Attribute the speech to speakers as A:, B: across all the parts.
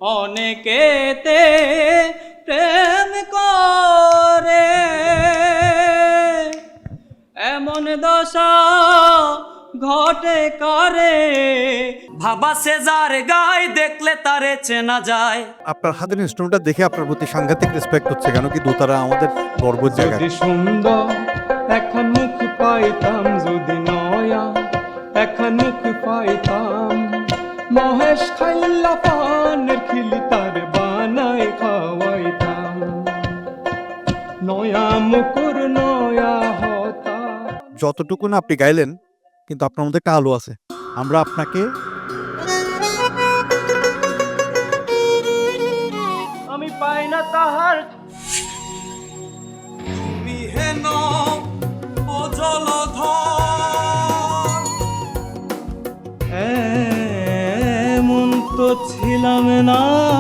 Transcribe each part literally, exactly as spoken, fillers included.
A: অনেকেতে প্রেম করে এমন দশা ঘটে করে ভাবা সে যার গায় দেখলে তারে চেনা যায়।
B: আপনার হাতের ইনস্ট্রুমেন্টটা দেখে আপনার প্রতি সাংঘাতিক রেসপেক্ট হচ্ছে, কেন কি দোতারা আমাদের গর্বের জায়গা।
C: যদি সুন্দর এখন মুখ পাইতাম, যদি নয়া এখন মুখ পাইতাম, মহেশ খাইল্লা পানের খিলি তার বানায় খাওয়াইতাম, নয়া মুকুর নয়া হতা।
B: যতটুকু না আপনি গাইলেন, কিন্তু আপনার মধ্যে একটা আলো আছে। আমরা আপনাকে
A: আমি পাই না তাহার বিহেন ও জলধর এমন তো ছিলাম না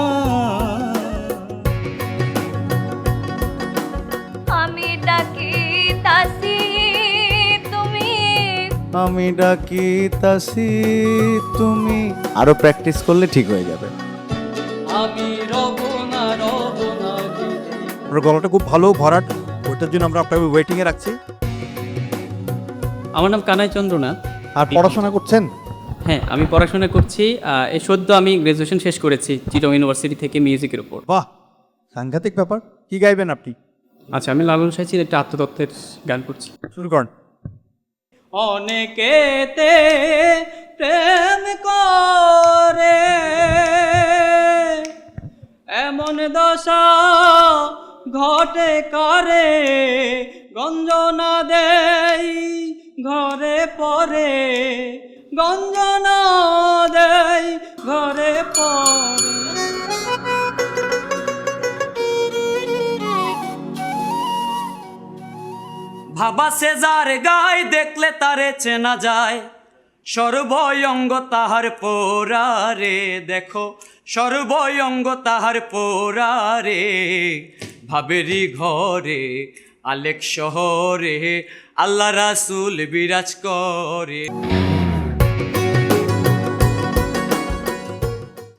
D: আমি ডাকি তাসি তুমি
E: আমি ডাকি তাসি তুমি। আরো প্র্যাকটিস করলে ঠিক হয়ে যাবে।
A: আমি রব না রব না
B: আপনার গলাটা খুব ভালো ভরাট, ওইটার জন্য আমরা আপনাকে ওয়েটিং এ রাখছি।
F: আমার নাম কানাই চন্দ্রনাথ।
B: আর পড়াশোনা করছেন?
F: হ্যাঁ, আমি পড়াশোনা করছি। আহ, এই সদ্য আমি গ্র্যাজুয়েশন শেষ করেছি চিটং ইউনিভার্সিটি থেকে মিউজিকের উপর।
B: বাহ, সাংঘাতিক ব্যাপার। কি গাইবেন আপনি?
F: আচ্ছা, আমি লালন সাহিত্যের একটা আত্মতত্ত্বের গান করছি।
B: শুরু করেন।
A: অনেকেতে প্রেম করে এমন দশা ঘটে করে গঞ্জনা দেই ঘরে পরে গঞ্জনা দেই ঘরে পরে ভাবা সে যার গায় দেখলে তারে চেনা যায় সর্বয়ঙ্গ তাহার পোরারে দেখো সর্বয়ঙ্গ তাহার পোরারে ভাবেরি ঘরে আলেক শহরে আল্লাহ রাসূল বিরাজ করে।